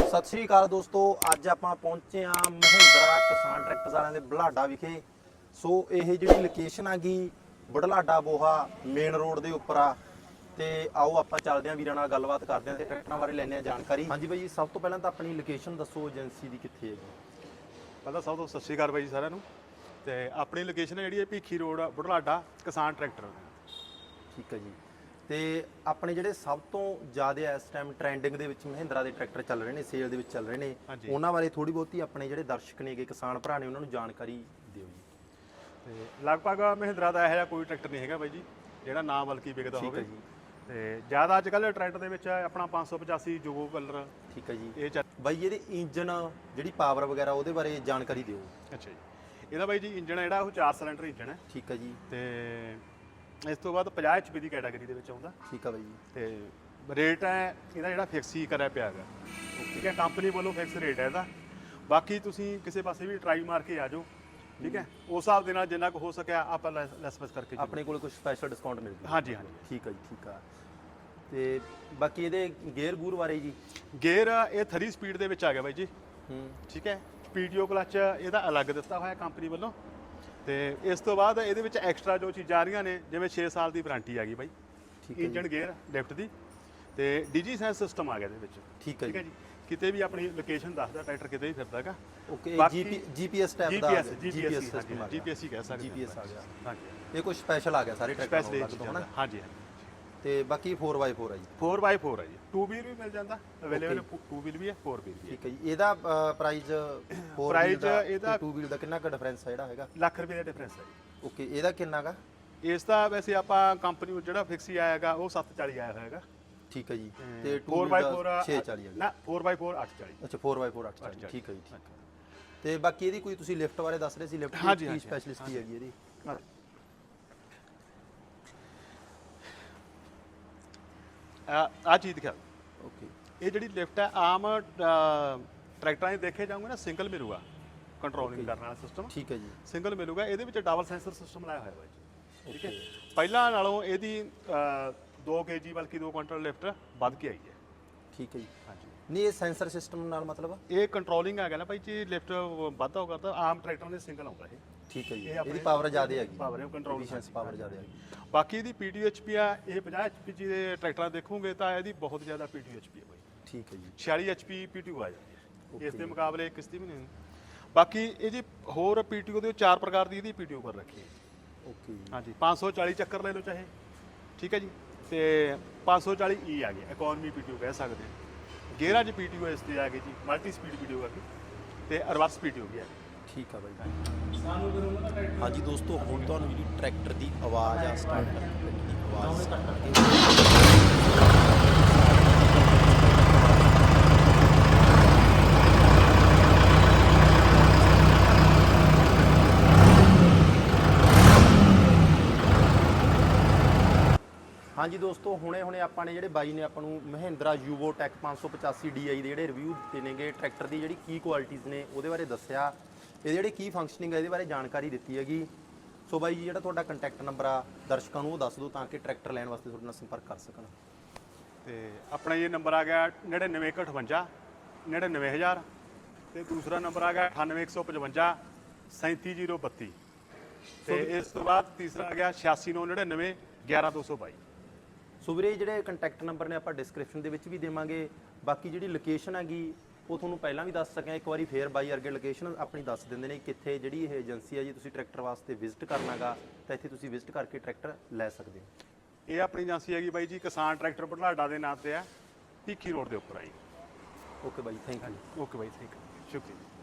ਸਤਿ ਸ਼੍ਰੀ ਅਕਾਲ ਦੋਸਤੋ, ਅੱਜ ਆਪਾਂ ਪਹੁੰਚੇ ਆ ਮਹਿੰਦਰਾ ਕਿਸਾਨ ਟਰੈਕਟਰਸ ਵਾਲਿਆਂ ਦੇ ਬੁਢਲਾਡਾ ਵਿਖੇ। ਸੋ ਇਹ ਜਿਹੜੀ ਲੋਕੇਸ਼ਨ ਹੈਗੀ ਬੁਢਲਾਡਾ ਬੋਹਾ ਮੇਨ ਰੋਡ ਦੇ ਉੱਪਰ ਆ। ਤੇ ਆਓ ਆਪਾਂ ਚੱਲਦੇ ਆਂ ਵੀਰਾਂ ਨਾਲ ਗੱਲਬਾਤ ਕਰਦੇ ਆਂ ਤੇ ਟਰੈਕਟਰਾਂ ਬਾਰੇ ਲੈਣੇ ਆ ਜਾਣਕਾਰੀ। ਹਾਂਜੀ ਬਾਈ ਜੀ, ਸਭ ਤੋਂ ਪਹਿਲਾਂ ਤਾਂ ਆਪਣੀ ਲੋਕੇਸ਼ਨ ਦੱਸੋ, ਏਜੰਸੀ ਦੀ ਕਿੱਥੇ ਹੈ ਜੀ? ਪਹਿਲਾਂ ਸਭ ਤੋਂ ਸਤਿ ਸ਼੍ਰੀ ਅਕਾਲ ਬਾਈ ਜੀ ਸਾਰਿਆਂ ਨੂੰ। ਤੇ ਆਪਣੀ ਲੋਕੇਸ਼ਨ ਜਿਹੜੀ ਹੈ ਭੀਖੀ ਰੋਡ ਬੁਢਲਾਡਾ ਕਿਸਾਨ ਟਰੈਕਟਰ। ਠੀਕ ਹੈ ਜੀ। ਤੇ ਆਪਣੇ ਜਿਹੜੇ ਸਭ ਤੋਂ ਜ਼ਿਆਦਾ ਇਸ ਟਾਈਮ ਟ੍ਰੈਂਡਿੰਗ ਦੇ ਵਿੱਚ ਮਹਿੰਦਰਾ ਦੇ ਟਰੈਕਟਰ ਚੱਲ ਰਹੇ ਨੇ, ਸੇਲ ਦੇ ਵਿੱਚ ਚੱਲ ਰਹੇ ਨੇ, ਉਹਨਾਂ ਬਾਰੇ ਥੋੜੀ ਬਹੁਤੀ ਆਪਣੇ ਜਿਹੜੇ ਦਰਸ਼ਕ ਨੇਗੇ ਕਿਸਾਨ ਭਰਾ ਨੇ ਉਹਨਾਂ ਨੂੰ ਜਾਣਕਾਰੀ ਦਿਓ ਜੀ। ਤੇ ਲਗਭਗ ਮਹਿੰਦਰਾ ਦਾ ਇਹੋ ਜਿਹਾ ਕੋਈ ਟਰੈਕਟਰ ਨਹੀਂ ਹੈਗਾ ਬਾਈ ਜੀ ਜਿਹੜਾ ਨਾ ਬਲਕਿ ਵਿਕਦਾ ਹੋਵੇ। ਜੀ। ਤੇ ਜ਼ਿਆਦਾ ਅੱਜ ਕੱਲ੍ਹ ਟਰੈਕਟਰ ਦੇ ਵਿੱਚ ਆਪਣਾ 585 ਜੋਗੋ ਕਲਰ। ਠੀਕ ਹੈ ਜੀ। ਇਹ ਬਾਈ ਇਹਦੇ ਇੰਜਨ ਜਿਹੜੀ ਪਾਵਰ ਵਗੈਰਾ ਉਹਦੇ ਬਾਰੇ ਜਾਣਕਾਰੀ ਦਿਓ। ਅੱਛਾ ਜੀ, ਇਹਦਾ ਬਾਈ ਜੀ ਇੰਜਨ ਜਿਹੜਾ ਉਹ 4 ਸਿਲੰਡਰ ਇੰਜਨ ਹੈ। ਠੀਕ ਹੈ ਜੀ। ਤੇ ਇਸ ਤੋਂ ਬਾਅਦ 50 HP ਦੀ ਕੈਟਾਗਰੀ ਦੇ ਵਿੱਚ ਆਉਂਦਾ। ਠੀਕ ਹੈ ਬਾਈ ਜੀ। ਤੇ ਰੇਟ ਹੈ ਇਹਦਾ ਜਿਹੜਾ ਫਿਕਸ ਹੀ ਕਰਿਆ ਪਿਆ ਹੈਗਾ। ਠੀਕ ਹੈ, ਕੰਪਨੀ ਵੱਲੋਂ ਫਿਕਸ ਰੇਟ ਹੈ ਇਹਦਾ। ਬਾਕੀ ਤੁਸੀਂ ਕਿਸੇ ਪਾਸੇ ਵੀ ਟਰਾਈ ਮਾਰ ਕੇ ਆ ਜਾਓ, ਠੀਕ ਹੈ, ਉਸ ਹਿਸਾਬ ਦੇ ਨਾਲ ਜਿੰਨਾ ਕੁ ਹੋ ਸਕਿਆ ਆਪਾਂ ਲੈਸ ਬਸ ਕਰਕੇ ਆਪਣੇ ਕੋਲ ਕੁਝ ਸਪੈਸ਼ਲ ਡਿਸਕਾਊਂਟ ਮਿਲ ਜੂ। ਹਾਂਜੀ ਹਾਂਜੀ। ਠੀਕ ਹੈ ਜੀ, ਠੀਕ ਆ। ਤੇ ਬਾਕੀ ਇਹਦੇ ਗੇਅਰ ਗੂਰ ਬਾਰੇ ਜੀ? ਗੇਅਰ ਇਹ 3 ਸਪੀਡ ਦੇ ਵਿੱਚ ਆ ਗਿਆ ਬਾਈ ਜੀ। ਠੀਕ ਹੈ, PTO ਕਲਚ ਇਹਦਾ ਅਲੱਗ ਦਿੱਤਾ ਹੋਇਆ ਕੰਪਨੀ ਵੱਲੋਂ। ਤੇ ਇਸ ਤੋਂ ਬਾਅਦ ਇਹਦੇ ਵਿੱਚ ਐਕਸਟਰਾ ਜੋ ਚੀਜ਼ਾਂ ਆ ਰਹੀਆਂ ਨੇ, ਜਿਵੇਂ 6 ਸਾਲ ਦੀ ਵਾਰੰਟੀ ਆ ਗਈ ਬਾਈ। ਠੀਕ ਹੈ। ਇੰਜਨ ਗੇਅਰ ਲਿਫਟ ਦੀ ਤੇ ਡਿਜੀ ਸੈਂਸ ਸਿਸਟਮ ਆ ਗਿਆ ਇਹਦੇ ਵਿੱਚ। ਠੀਕ ਹੈ ਜੀ। ਕਿਤੇ ਵੀ ਆਪਣੀ ਲੋਕੇਸ਼ਨ ਦੱਸਦਾ ਟਰੈਕਟਰ ਕਿਤੇ ਵੀ ਫਿਰਦਾ ਹੈਗਾ। ਓਕੇ, ਜੀਪੀਐਸ ਟਾਈਪ ਦਾ ਜੀਪੀਐਸ ਸਿਸਟਮ ਆ। ਜੀਪੀਐਸ ਹੀ ਕਹਿ ਸਕਦੇ ਜੀਪੀਐਸ ਆ ਗਿਆ। ਹਾਂਜੀ, ਇਹ ਕੁਝ ਸਪੈਸ਼ਲ ਆ ਗਿਆ ਸਾਰੇ ਟਰੈਕਟਰਾਂ ਤੋਂ, ਹਨਾ? ਹਾਂਜੀ। ਤੇ ਬਾਕੀ 4x4 ਆ ਜੀ? 4x4 ਹੈ ਜੀ। 2 ਵੀਲ ਵੀ ਮਿਲ ਜਾਂਦਾ ਅਵੇਲੇਬਲ। 2 ਵੀਲ ਵੀ ਹੈ, 4 ਵੀਲ ਵੀ ਹੈ। ਠੀਕ ਹੈ ਜੀ। ਇਹਦਾ ਪ੍ਰਾਈਸ 4 ਵੀਲ ਦਾ ਤੇ 2 ਵੀਲ ਦਾ ਕਿੰਨਾ ਕੁ ਡਿਫਰੈਂਸ ਹੈ ਜਿਹੜਾ ਹੈਗਾ? ਲੱਖ ਰੁਪਏ ਦਾ ਡਿਫਰੈਂਸ ਹੈ ਜੀ। ਓਕੇ, ਇਹਦਾ ਕਿੰਨਾ ਗਾ? ਇਸ ਦਾ ਵੈਸੇ ਆਪਾਂ ਕੰਪਨੀ ਨੂੰ ਜਿਹੜਾ ਫਿਕਸ ਹੀ ਆਏਗਾ ਉਹ 740 ਆਇਆ ਹੋਏਗਾ। ਠੀਕ ਹੈ ਜੀ। ਤੇ 4x4 640 ਨਾ 4x4 840। ਅੱਛਾ, 4x4 840। ਠੀਕ ਹੈ ਜੀ, ਠੀਕ ਹੈ। ਤੇ ਬਾਕੀ ਇਹਦੀ ਕੋਈ ਤੁਸੀਂ ਲਿਫਟ ਬਾਰੇ ਦੱਸ ਰਹੇ ਸੀ, ਲਿਫਟ ਦੀ ਸਪੈਸ਼ਲਿਸਟ ਕੀ ਹੈਗੀ ਇਹਦੀ? ਆ ਚੀਜ਼ ਦਿਖਾ। ਓਕੇ, ਇਹ ਜਿਹੜੀ ਲਿਫਟ ਹੈ ਆਮ ਟਰੈਕਟਰਾਂ 'ਚ ਦੇਖੇ ਜਾਓਗੇ ਨਾ, ਸਿੰਗਲ ਮਿਲੂਗਾ ਕੰਟਰੋਲਿੰਗ ਕਰਨ ਵਾਲਾ ਸਿਸਟਮ। ਠੀਕ ਹੈ ਜੀ। ਸਿੰਗਲ ਮਿਲੂਗਾ। ਇਹਦੇ ਵਿੱਚ ਡਬਲ ਸੈਂਸਰ ਸਿਸਟਮ ਲਾਇਆ ਹੋਇਆ ਬਾਈ। ਠੀਕ ਹੈ, ਪਹਿਲਾਂ ਨਾਲੋਂ ਇਹਦੀ 2 kg ਬਲਕਿ 2 ਕੁਇੰਟਲ ਲਿਫਟ ਵੱਧ ਕੇ ਆਈ ਹੈ। ਠੀਕ ਹੈ ਜੀ। ਹਾਂਜੀ। ਨਹੀਂ, ਇਹ ਸੈਂਸਰ ਸਿਸਟਮ ਨਾਲ ਮਤਲਬ? ਇਹ ਕੰਟਰੋਲਿੰਗ ਆ ਗਿਆ ਨਾ ਭਾਈ ਜੀ, ਲਿਫਟ ਵੱਧਦਾ ਹੋਗਾ ਤਾਂ ਆਮ ਟਰੈਕਟਰਾਂ ਦੇ ਸਿੰਗਲ ਆਉਂਦਾ ਇਹ। ਠੀਕ ਹੈ ਜੀ। ਇਹਦੀ ਪਾਵਰ ਜ਼ਿਆਦਾ ਹੈਗੀ। ਪਾਵਰ ਹੈ, ਕੰਟਰੋਲ ਪਾਵਰ ਜ਼ਿਆਦਾ ਹੈਗੀ। ਬਾਕੀ ਇਹਦੀ PTO-HP ਆ, ਇਹ 50 HP ਜੀ ਦੇ ਟਰੈਕਟਰਾਂ ਦੇਖੋਗੇ ਤਾਂ ਇਹਦੀ ਬਹੁਤ ਜ਼ਿਆਦਾ PTO-HP ਹੈ ਬਾਈ। ਠੀਕ ਹੈ ਜੀ। 46 HP PTO ਆ ਜਾਂਦੀ ਹੈ। ਇਸ ਦੇ ਮੁਕਾਬਲੇ ਕਿਸ਼ਤੀ ਵੀ ਨਹੀਂ। ਬਾਕੀ ਇਹ ਜੀ ਹੋਰ PTO ਦੇ 4 ਪ੍ਰਕਾਰ ਦੀ ਇਹਦੀ PTO ਕਰ ਰੱਖੀ ਹੈ। ਓਕੇ। ਹਾਂਜੀ, 540 ਚੱਕਰ ਲੈ ਲਓ ਚਾਹੇ। ਠੀਕ ਹੈ ਜੀ। ਤੇ 540E ਆ ਗਿਆ, ਇਕਨੋਮੀ PTO ਕਹਿ ਸਕਦੇ ਹਾਂ। ਗੇਅਰਾਂ 'ਚ PTO ਇਸ ਤੇ ਆ ਗਈ ਜੀ, ਮਲਟੀ ਸਪੀਡ PTO ਆ ਗਈ ਤੇ ਰਿਵਰਸ PTO ਵੀ ਆ ਗਈ। ਠੀਕ ਆ ਬਾਈ। ਹਾਂਜੀ ਦੋਸਤੋ, ਹੁਣ ਤੁਹਾਨੂੰ ਜਿਹੜੀ ਟਰੈਕਟਰ ਦੀ ਆਵਾਜ਼ ਆ ਸਟਾਰਟਰ ਦੀ ਆਵਾਜ਼ ਹਾਂਜੀ ਦੋਸਤੋ, ਹੁਣੇ ਆਪਾਂ ਨੇ ਜਿਹੜੇ ਬਾਈ ਨੇ ਆਪਾਂ ਨੂੰ ਮਹਿੰਦਰਾ ਯੂਵੋਟੈਕ 585 DI ਦੇ ਜਿਹੜੇ ਰਿਵਿਊ ਦਿੱਤੇ ਨੇਗੇ ਟਰੈਕਟਰ ਦੀ, ਜਿਹੜੀ ਕੀ ਕੁਆਲਿਟੀਜ਼ ਨੇ ਉਹਦੇ ਬਾਰੇ ਦੱਸਿਆ, ਇਹਦੇ ਜਿਹੜੇ ਕੀ ਫੰਕਸ਼ਨਿੰਗ ਹੈ ਇਹਦੇ ਬਾਰੇ ਜਾਣਕਾਰੀ ਦਿੱਤੀ ਹੈਗੀ। ਸੋ ਬਾਈ ਜੀ, ਜਿਹੜਾ ਤੁਹਾਡਾ ਕੰਟੈਕਟ ਨੰਬਰ ਆ ਦਰਸ਼ਕਾਂ ਨੂੰ ਉਹ ਦੱਸ ਦਿਓ ਤਾਂ ਕਿ ਟਰੈਕਟਰ ਲੈਣ ਵਾਸਤੇ ਤੁਹਾਡੇ ਨਾਲ ਸੰਪਰਕ ਕਰ ਸਕਣ। ਤੇ ਆਪਣਾ ਇਹ ਨੰਬਰ ਆ ਗਿਆ 9958 99000 ਤੇ ਦੂਸਰਾ ਨੰਬਰ ਆ ਗਿਆ 98155 37032 ਤੇ ਇਸ ਤੋਂ ਬਾਅਦ ਤੀਸਰਾ ਆ ਗਿਆ 8699 11222। ਸੋ ਵੀਰੇ, ਜਿਹੜੇ ਕੰਟੈਕਟ ਨੰਬਰ ਨੇ ਆਪਾਂ ਡਿਸਕ੍ਰਿਪਸ਼ਨ ਦੇ ਵਿੱਚ ਵੀ ਦੇਵਾਂਗੇ। ਬਾਕੀ ਜਿਹੜੀ ਲੋਕੇਸ਼ਨ ਹੈਗੀ ਉਹ ਤੁਹਾਨੂੰ ਪਹਿਲਾਂ ਵੀ ਦੱਸ ਸਕਿਆ, ਇੱਕ ਵਾਰੀ ਫੇਰ ਬਾਈ ਅਰਗੇ ਲੋਕੇਸ਼ਨ ਆਪਣੀ ਦੱਸ ਦਿੰਦੇ ਨੇ ਕਿੱਥੇ ਜਿਹੜੀ ਇਹ ਏਜੰਸੀ ਹੈ ਜੀ। ਤੁਸੀਂ ਟਰੈਕਟਰ ਵਾਸਤੇ ਵਿਜ਼ਿਟ ਕਰਨਾਗਾ ਤਾਂ ਇੱਥੇ ਤੁਸੀਂ ਵਿਜ਼ਿਟ ਕਰਕੇ ਟਰੈਕਟਰ ਲੈ ਸਕਦੇ ਹੋ। ਇਹ ਆਪਣੀ ਏਜੰਸੀ ਹੈਗੀ ਬਾਈ ਜੀ ਕਿਸਾਨ ਟਰੈਕਟਰ ਬੁਢਲਾਡਾ ਦੇ ਨਾਂ ਤੇ ਆ, ਭੀਖੀ ਰੋਡ ਦੇ ਉੱਪਰ ਆਈ। Okay bye, thank you. Okay bye, thank you, ਸ਼ੁਕਰੀਆ।